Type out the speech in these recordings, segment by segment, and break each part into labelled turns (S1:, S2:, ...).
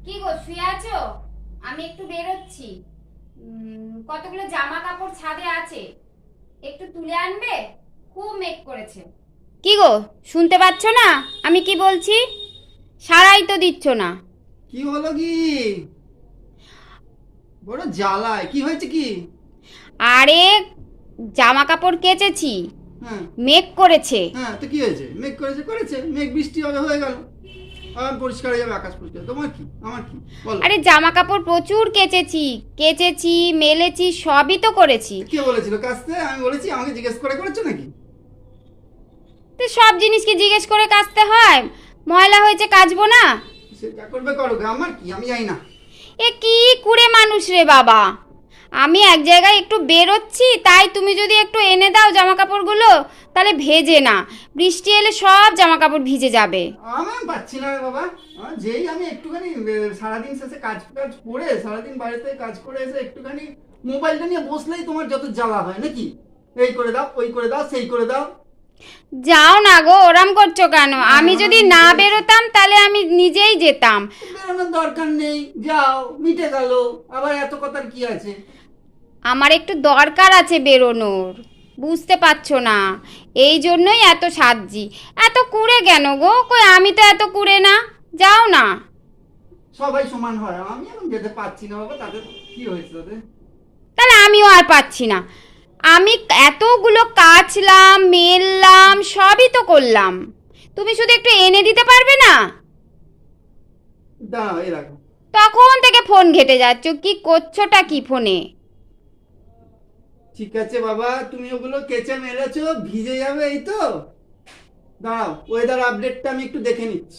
S1: কি গো শুয়ে আছো? আমি একটু বেরোচ্ছি। কতগুলো জামা কাপড় ছাদে আছে, একটু তুলে আনবে? খুব মেঘ করেছে। কি গো শুনতে পাচ্ছ না আমি কি বলছি? সারাই তো দিচ্ছ না।
S2: কি হলো কি? বড় জ্বালায়, কি হয়েছে কি?
S1: আরে জামা কাপড় কেচেছি,
S2: হ্যাঁ
S1: মেঘ করেছে।
S2: হ্যাঁ, তো কি হয়েছে? মেঘ করেছে মেঘ বৃষ্টি হবে, হয়ে গেল। পরিষ্কার হয়ে যাবে, আকাশ পরিষ্কার। তোমার কি আমার কি বলো?
S1: আরে জামা কাপড় প্রচুর কেচেছি মেলেছি, সবই তো করেছি।
S2: কে বলেছিল কাচতে? আমি বলেছি? আমাকে জিজ্ঞেস করে করেছো নাকি?
S1: তো সব জিনিস কি জিজ্ঞেস করে কাচতে হয়? ময়লা হয়েছে কাচবো না?
S2: সে যা করবে করো, আমার কি, আমি জানি না।
S1: এ কি কুড়ে মানুষ রে বাবা! আমি এক জায়গায় একটু বেরোচ্ছি, তাই তুমি যদি একটু এনে দাও জামা কাপড়গুলো, তাহলে ভেজে না। বৃষ্টি এলে সব জামা কাপড় ভিজে যাবে।
S2: আমি পাচ্ছি না রে বাবা। যেই আমি একটুখানি সারাদিন শেষে কাজ করে, সারাদিন বাড়িতে কাজ করে এসে একটুখানি মোবাইলটা নিয়ে বসলেই তোমার যত জ্বালা হয় নাকি? এই করে দাও, ওই করে দাও, সেই করে দাও।
S1: যাও না গো, ওরম করছো কেন? আমি যদি না বেরোতাম তাহলে আমি নিজেই যেতাম।
S2: বেরোনোর দরকার নেই, যাও, মিটে গেল। আবার এত কথার কি আছে?
S1: আমার একটু দরকার আছে বেরোনোর, বুঝতে পারছো না? এই জন্যই এত সাজছি। এত কুড়ে কেন গো? কই আমি তো এত কুড়ে না। যাও না।
S2: সবাই সমান হয়, আমি এখন যেতে পারছি না বাবা। তাদের কি হয়েছে তাদের?
S1: তাহলে আমিও আর পাচ্ছি না। আমি এতগুলো কাচলাম মেললাম, সবই তো করলাম। তুমি শুধু একটু এনে দিতে পারবে না?
S2: দাঁড়াও, এই রাখো।
S1: তখন থেকে ফোন ঘেটে যাচ্ছ, কি করছোটা কি ফোনে?
S2: ঠিক আছে বাবা, তুমি ওগুলো কেচে মেরেছো, ভিজে যাবে, এই তো। দাঁড়াও, ওয়েদার আপডেটটা আমি একটু দেখে নিচ্ছি।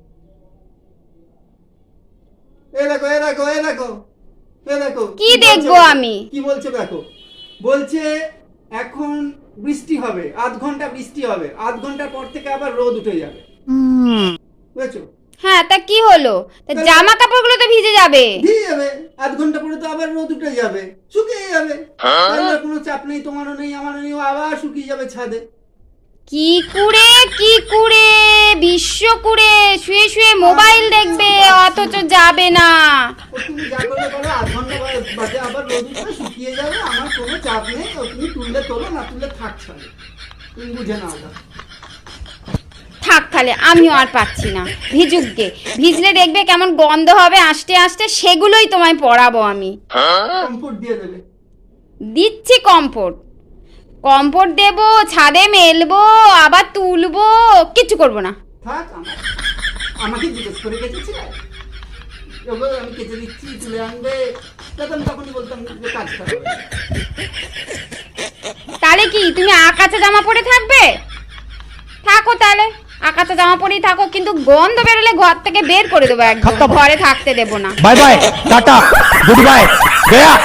S2: এই দেখো, এই দেখো, এই দেখো, এই দেখো।
S1: কি
S2: বলছে
S1: দেখবো
S2: দেখো?
S1: আমি?
S2: কি বলছে দেখো? বলছে এখন বৃষ্টি হবে, আধ ঘন্টা বৃষ্টি হবে, আধ ঘন্টার পর থেকে আবার রোদ উঠে যাবে। বুঝেছো?
S1: হ্যাঁ, তা কি হলো? তা জামা কাপড়গুলো তো ভিজে যাবে।
S2: ভিজে যাবে, আধ ঘন্টা পরে তো আবার রোদ উঠে যাবে, শুকিয়ে যাবে। তাহলে কোনো চাপ নেই, তোমারও নেই আমারও নেই, ও আবার শুকিয়ে যাবে ছাদে।
S1: কি কুড়ে বিশ্ব কুড়ে, শুয়ে শুয়ে মোবাইল দেখবে অথচ যাবে না।
S2: ও তুমি যা করবে করো, আধ ঘন্টা বাদে আবার রোদ উঠবে, শুকিয়ে যাবে, আমার কোনো চাপ নেই। ও তুমি তুললে তোলো, না তুললে থাক ছাদে। তুমি বুঝে নাও না।
S1: থাক, তাহলে আমিও আর পাচ্ছি না। ভিজুকগে, ভিজলে দেখবে কেমন গন্ধ হবে আস্তে আস্তে, সেগুলোই তোমায় পরাবো আমি।
S2: কমফোর্ট দিয়ে দেবে।
S1: দিচ্ছি কম্ফোর্ট, কম্ফোর্ট দেবো, ছাদে মেলবো, আবার তুলবো, কিচ্ছু করবো না।
S2: থাক, আমাকে জিজ্ঞেস করে কেচেছিলে? ওগুলো আমি কেচে দিচ্ছি, তুলে আনবে, তাহলে আমি তখনই বলতাম যে কাজ করবে।
S1: তাহলে কি তুমি আকাশে জামা পরে থাকবে? থাকো তাহলে, আকাশে জামা পরেই থাকো, কিন্তু গন্ধ বেরোলে ঘর থেকে বের করে দেবো, একদম ঘরে থাকতে দেবো না।
S3: Bye bye tata goodbye गया।